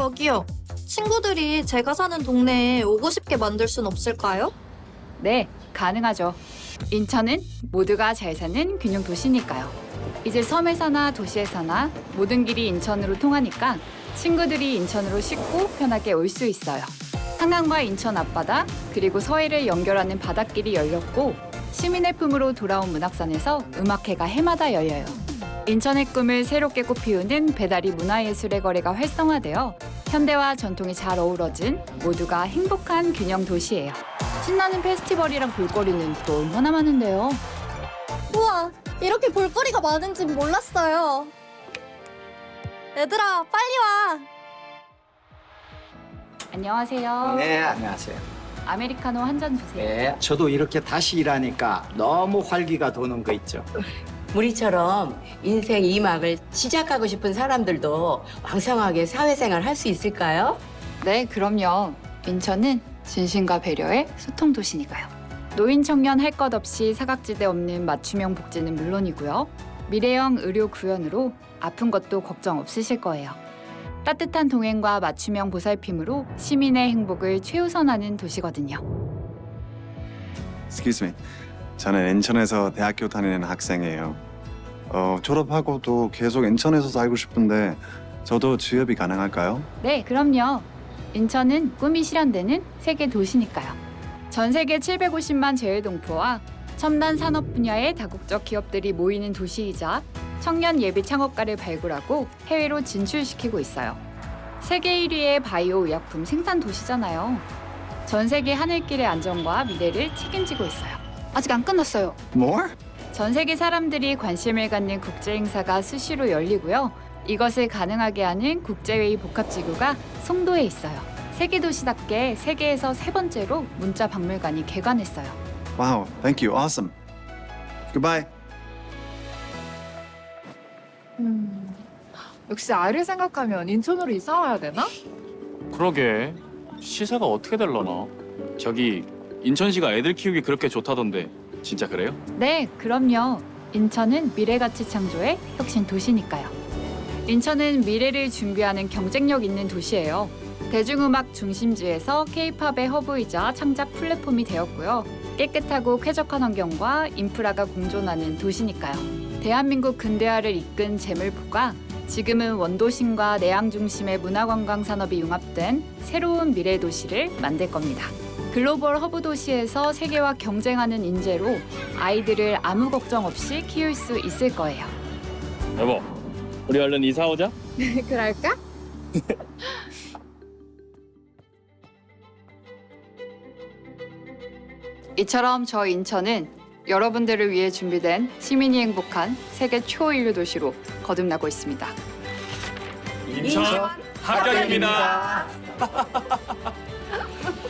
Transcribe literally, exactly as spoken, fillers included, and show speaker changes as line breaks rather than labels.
저기요. 친구들이 제가 사는 동네에 오고 싶게 만들 순 없을까요?
네, 가능하죠. 인천은 모두가 잘 사는 균형 도시니까요. 이제 섬에서나 도시에서나 모든 길이 인천으로 통하니까 친구들이 인천으로 쉽고 편하게 올 수 있어요. 한강과 인천 앞바다 그리고 서해를 연결하는 바닷길이 열렸고 시민의 품으로 돌아온 문학산에서 음악회가 해마다 열려요. 인천의 꿈을 새롭게 꽃피우는 배달이 문화예술의 거래가 활성화되어 현대와 전통이 잘 어우러진 모두가 행복한 균형 도시예요. 신나는 페스티벌이랑 볼거리는 또 얼마나 많은데요.
우와, 이렇게 볼거리가 많은진 몰랐어요. 얘들아, 빨리 와.
안녕하세요.
네, 안녕하세요.
아메리카노 한 잔 주세요.
네, 저도 이렇게 다시 일하니까 너무 활기가 도는 거 있죠.
우리처럼 인생 이 막을 시작하고 싶은 사람들도 왕성하게 사회생활 할 수 있을까요?
네, 그럼요. 인천은 진심과 배려의 소통 도시니까요. 노인 청년 할 것 없이 사각지대 없는 맞춤형 복지는 물론이고요. 미래형 의료 구현으로 아픈 것도 걱정 없으실 거예요. 따뜻한 동행과 맞춤형 보살핌으로 시민의 행복을 최우선하는 도시거든요.
Excuse me. 저는 인천에서 대학교 다니는 학생이에요. 어, 졸업하고도 계속 인천에서 살고 싶은데 저도 취업이 가능할까요?
네, 그럼요. 인천은 꿈이 실현되는 세계 도시니까요. 전 세계 칠백오십만 재외동포와 첨단 산업 분야의 다국적 기업들이 모이는 도시이자 청년 예비 창업가를 발굴하고 해외로 진출시키고 있어요. 세계 일 위의 바이오 의약품 생산 도시잖아요. 전 세계 하늘길의 안전과 미래를 책임지고 있어요. 아직 안 끝났어요.
More?
전 세계 사람들이 관심을 갖는 국제 행사가 수시로 열리고요. 이것을 가능하게 하는 국제회의 복합지구가 송도에 있어요. 세계 도시답게 세계에서 세 번째로 문자 박물관이 개관했어요.
Wow, thank you. Awesome. Goodbye.
음, 역시 아이를 생각하면 인천으로 이사 와야 되나?
그러게 시세가 어떻게 될려나. 저기 인천시가 애들 키우기 그렇게 좋다던데 진짜 그래요?
네, 그럼요. 인천은 미래가치 창조의 혁신 도시니까요. 인천은 미래를 준비하는 경쟁력 있는 도시예요. 대중음악 중심지에서 케이팝의 허브이자 창작 플랫폼이 되었고요. 깨끗하고 쾌적한 환경과 인프라가 공존하는 도시니까요. 대한민국 근대화를 이끈 재물포가 지금은 원도심과 내양 중심의 문화관광 산업이 융합된 새로운 미래 도시를 만들 겁니다. 글로벌 허브 도시에서 세계와 경쟁하는 인재로 아이들을 아무 걱정 없이 키울 수 있을 거예요.
여보, 우리 얼른 이사 오자.
그럴까?
이처럼 저 인천은 여러분들을 위해 준비된 시민이 행복한 세계 초인류 도시로 거듭나고 있습니다.
인천 합격입니다.